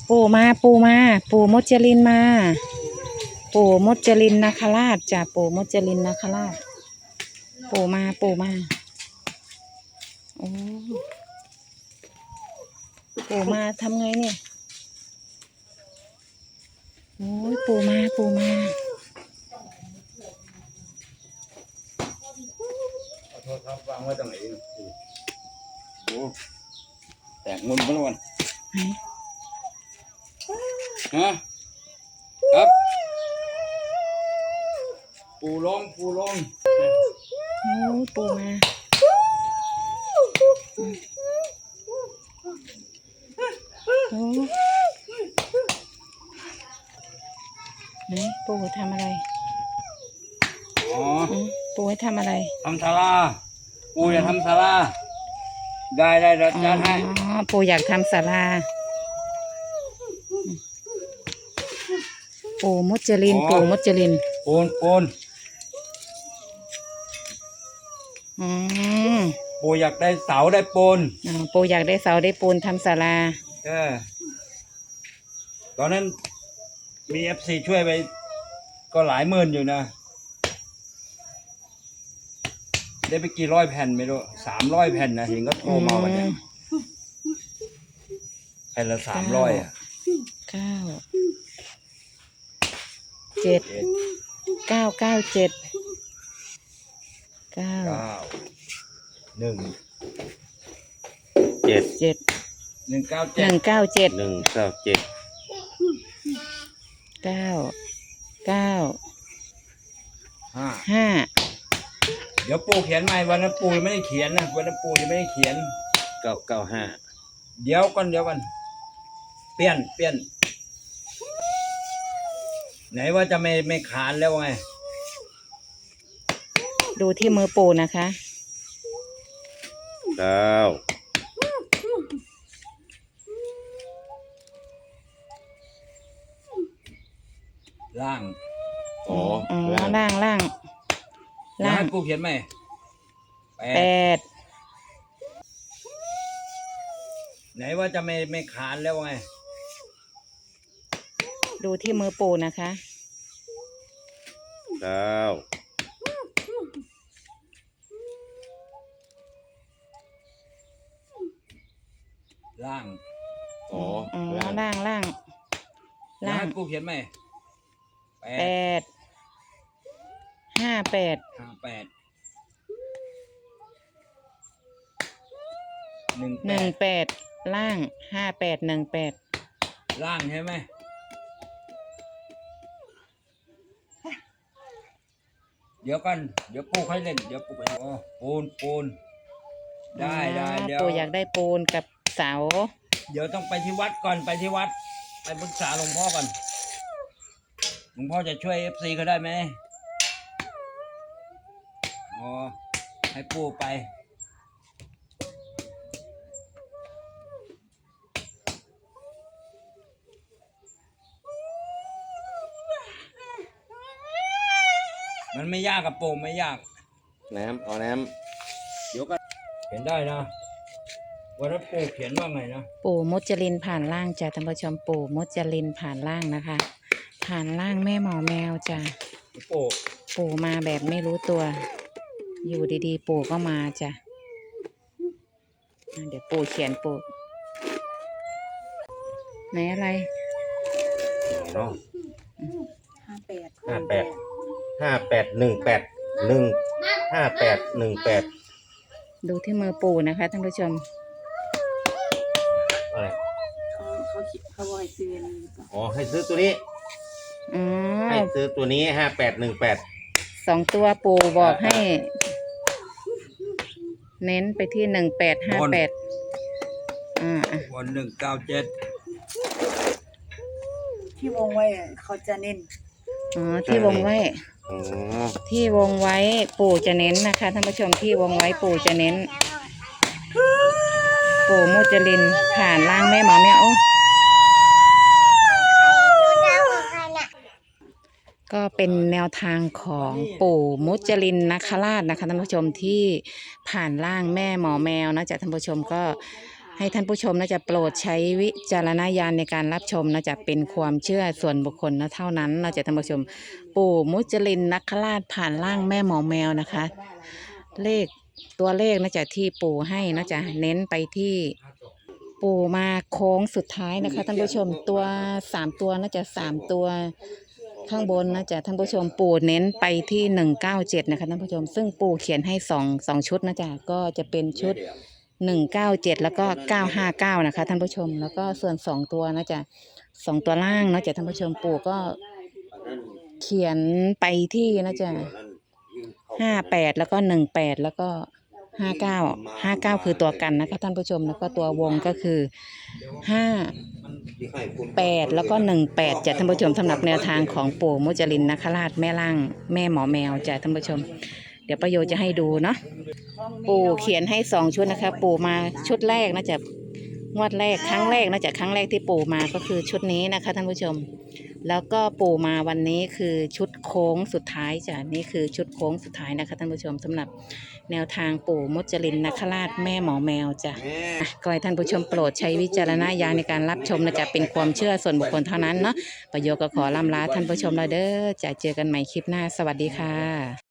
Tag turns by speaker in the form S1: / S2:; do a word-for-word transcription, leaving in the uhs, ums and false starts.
S1: ปู่มาปู่มาปู่มจรินมาปู่มจรินนาคราชจ้ะปู่มจรินนาคราชปู่มาปู่มาโอ้ปู่มาทำไงเนี่ยโอ้ยปู่มาปู่มา
S2: ขอโทษครับวางไว้ตรงไหนโอ้แตกงุนไปแล้ววันฮะครับปูลงปูลง
S1: โอ้ยปู่มาโอ้ไหนปู่ทำอะไร
S2: อ๋อ
S1: ปู่ให้ทำอะไร
S2: ทำศาลาปูอยากทำศาลาได้ได้เดี๋ยวจัดให้
S1: อ๋อปู่อยากทำศาลาปู่มุจลินปู่มุจลิน
S2: ปูนปูน
S1: อืม
S2: ปูอยากได้เสาได้ปูน
S1: อ๋อปู่อยากได้เสาได้ปูนทำศาลา
S2: เออตอนนั้นมีเอฟซีช่วยไปก็หลายหมื่นอยู่นะได้ไปกี่ร้อยแผ่นไม่รู้สามร้อยแผ่นนะเห็นก็โทรมาวันนี้แผ่นละสามร้อยอ่ะ
S1: เก้าเจ็ดเก้าเก้าเจ็ดเก้า
S2: หนึ่ง
S3: เจ็ด
S1: เจ็ด
S2: หนึ่งเก้า
S1: เจ็ดหนึ่งเก้าเจ็ด
S3: หนึ่งเก้าเจ็ด
S1: เก้าเก้า
S2: ห้า
S1: ห้า
S2: เดี๋ยวปู่เขียนใหม่วันนั้นปู่ยังไม่ได้เขียนนะวันนั้นปู่ยังไม่ได้เขียน
S3: เก้าเก้าห้า
S2: เดี๋ยวก่อนเดี๋ยวก่อนเปลี่ยนเปลี่ยนไหนว่าจะไม่ไม่ขานแล้วไง
S1: ดูที่มือปู่นะคะ
S3: เก้า
S2: ล่าง
S3: อ๋อ
S1: ล่างล่างล่าง
S2: ล่างปู่เขียนไหม
S1: แปด
S2: ไหนว่าจะไม่ไม่ขานแล้วไง
S1: ดูที่มือปู่นะคะ
S3: เก้า
S2: ล่าง
S3: อ๋อ
S1: ล่างล่างล่าง
S2: ล่างปู่เขียนไหม
S1: แปดห้าแปด
S2: ห้าแปดหนึ่ง
S1: หนึ่งแปดล่างห้าแปดหนึ่งแปด
S2: ล่างใช่ไหมเดี๋ยวกันเดี๋ยวปู่ให้เล่นเดี๋ยวปู่ไปโอ้ปูนปูนได้ได้เดี๋ยว
S1: ปู่อยากได้ปูนกับเสา
S2: เดี๋ยวต้องไปที่วัดก่อนไปที่วัดไปปรึกษาหลวงพ่อก่อนหลวงพ่อจะช่วยเอฟซีเขาได้ไหมอ๋อให้ปู่ไปมันไม่ยากกับปู่ไม่ยาก
S3: น้ำเอาน้ำ
S2: เดี๋ยวก็เขียนได้นะวันนั้นปู่เขียนว่าไงนะ
S1: ปู่มุจลินผ่านล่างจ้ะท่านผู้ชมปู่มุจลินผ่านล่างนะคะผ่านล่างแม่หมอแมวจ้ะ
S2: ปู่
S1: ปู่มาแบบไม่รู้ตัวอยู่ดีๆปู่ก็มาจ้ะเดี๋ยวปู่เขียนปู่ไหนอะไร
S3: เนาะ
S1: ห้าแปด
S3: ห้าแปดห้าแปดหนึ่งแปดหนึ่งห้าแปดหนึ่งแปด
S1: ดูที่มือปู่นะคะท่านผู้ชม
S3: อะไร
S4: เขาเขาเขาบอกให้ซื้อ
S3: อ๋อให้ซื้อตัวนี้
S1: อ๋อ
S3: ให้ซื้อตัวนี้ห้าแปดหนึ่งแปด
S1: สองตัวปู่บอกให้เน้นไปที่หนึ่งแปดห้าแปดอ่า
S2: วันหนึ่งเก้าเจ็ด
S4: ที่วงไว้เขาจะเน้น
S1: อ๋อที่วงไว้ที่วงไว้ปู่จะเน้นนะคะท่านผู้ชมที่วงไว้ปู่จะเน้นปู่มุจลินผ่านล่างแม่หมอแม่โอ้ก็เป็นแนวทางของปู่มุจลินนาคราชนะคะท่านผู้ชมที่ผ่านล่างแม่หมอแมวนะจ๊ะท่านผู้ชมก็ให้ท่านผู้ชมนะจะโปรดใช้วิจารณญาณในการรับชมนะจะเป็นความเชื่อส่วนบุคคลนะเท่านั้นนะจะท่านผู้ชมปู่มุจลินนคราชผ่านร่างแม่หมอแมวนะคะ เลขตัวเลขนะจะที่ปู่ให้นะจะเน้นไปที่ปู่มาโค้งสุดท้ายนะคะท่านผู้ชมตัวสามตัวนะจะสามตัวข้างบนนะจะท่านผู้ชมปู่เน้นไปที่หนึ่งเก้าเจ็ดนะคะท่านผู้ชมซึ่งปู่เขียนให้สองสองชุดนะจ๊ะก็จะเป็นชุดหนึ่งเก้าเจ็ดแล้วก็เก้าห้าเก้านะคะท่านผู้ชมแล้วก็ส่วนสองตัวนะจ๊ะสองตัวล่างนะจ๊ะท่านผู้ชมปู่ก็เขียนไปที่นะจ๊ะห้าแปดแล้วก็หนึ่งแปดแล้วก็ห้าเก้าห้าเก้าคือตัวกันนะคะท่านผู้ชมแล้วก็ตัววงก็คือห้าแปดแล้วก็หนึ่งแปดจะท่านผู้ชมสำหรับแนวทางของปู่มุจลินนคราชแม่ล่างแม่หมอแมวจะท่านผู้ชมเดี๋ยวประโยชน์จะให้ดูเนาะปู่เขียนให้สองชุดนะคะปู่มาชุดแรกนะจะงวดแรกครั้งแรกนะจะครั้งแรกที่ปู่มาก็คือชุดนี้นะคะท่านผู้ชมแล้วก็ปู่มาวันนี้คือชุดโค้งสุดท้ายจ้ะนี่คือชุดโค้งสุดท้ายนะคะท่านผู้ชมสำหรับแนวทางปู่มุจลินนคราชแม่หมอแมวจ้ะอ่ะก็ให้ท่านผู้ชมโปรดใช้วิจารณญาณในการรับชมนะจะเป็นความเชื่อส่วนบุคคลเท่านั้นเนาะประโยชน์ก็ขอล่ำลาท่านผู้ชมแล้วเด้อจะเจอกันใหม่คลิปหน้าสวัสดีค่ะ